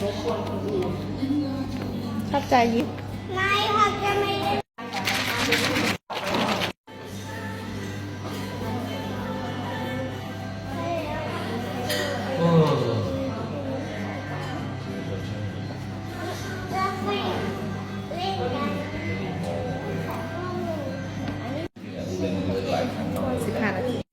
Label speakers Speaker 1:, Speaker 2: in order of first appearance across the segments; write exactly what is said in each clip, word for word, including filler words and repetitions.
Speaker 1: ชอบใจยิ้ม
Speaker 2: ไม่ค่ะจะไม่ได้
Speaker 1: สิบห้านาที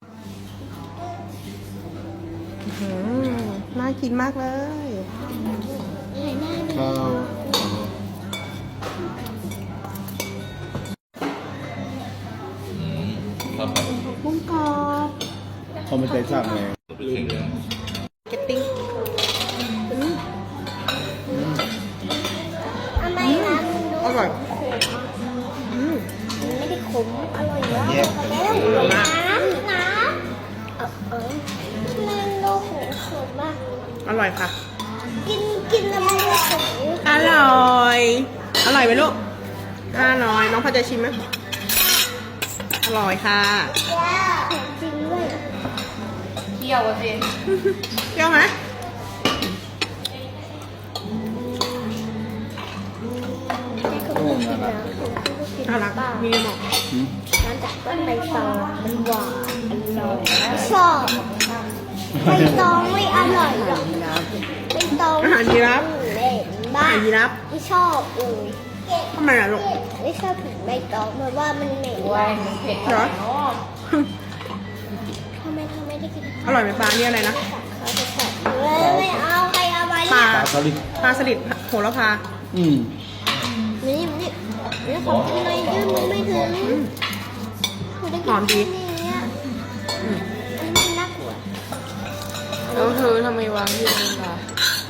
Speaker 1: น่ากินมากเลย
Speaker 3: ข้าว
Speaker 1: กุ้งกรอบ
Speaker 3: เขาไม่เคยสั่งเลย
Speaker 1: เก็ตติ้ง
Speaker 2: ทำไมร้านมันดู
Speaker 1: อร่อย
Speaker 2: ไม่ได้ขมอร่อยแล้วแล้วน้ำน้ำเออเออมันดูขมขมมาก
Speaker 1: อร่อยค่ะ
Speaker 2: กินกินแล้วมันดูขม
Speaker 1: อร่อย อร่อยไหมลูกอร่อย น้องพอจะชิมไหมอร่อยค่ะ
Speaker 2: จริงด้วย
Speaker 1: เปรี้ยวอ่ะสิเปรี้ยวไหมน่ารักมีหมอก
Speaker 2: ร้านจากต้นใบตองมันหวานอร่อยชอบใบตองไม่อร่อยหรอกใบตอง
Speaker 1: อาหารยีราฟ
Speaker 2: เล่นบ้า
Speaker 1: อาหารยีราฟ
Speaker 2: ไม่ชอบเลย
Speaker 1: ทำไมล่ะลูก
Speaker 2: ไม่ชอบถึงใบตองเพราะว่ามันเหม็น
Speaker 1: เหรอ
Speaker 2: ทำไมทำไมได้กิน
Speaker 1: อร่อยไหมปลาเนี่ยอะไรนะ
Speaker 2: เขาจะแฉะไม่เอาใครเอาไป
Speaker 1: ปลา
Speaker 3: ปลาสลิด
Speaker 1: ปลาสลิดโหระพา
Speaker 3: อืม
Speaker 2: นี่นี่นี่ของกินเลยยืดมันไม่ถึง
Speaker 1: หอมดี
Speaker 2: อันนี้มันน่ากลัว
Speaker 1: แล้วเธอทำไมวางอยู่ตรงนั้นล่ะ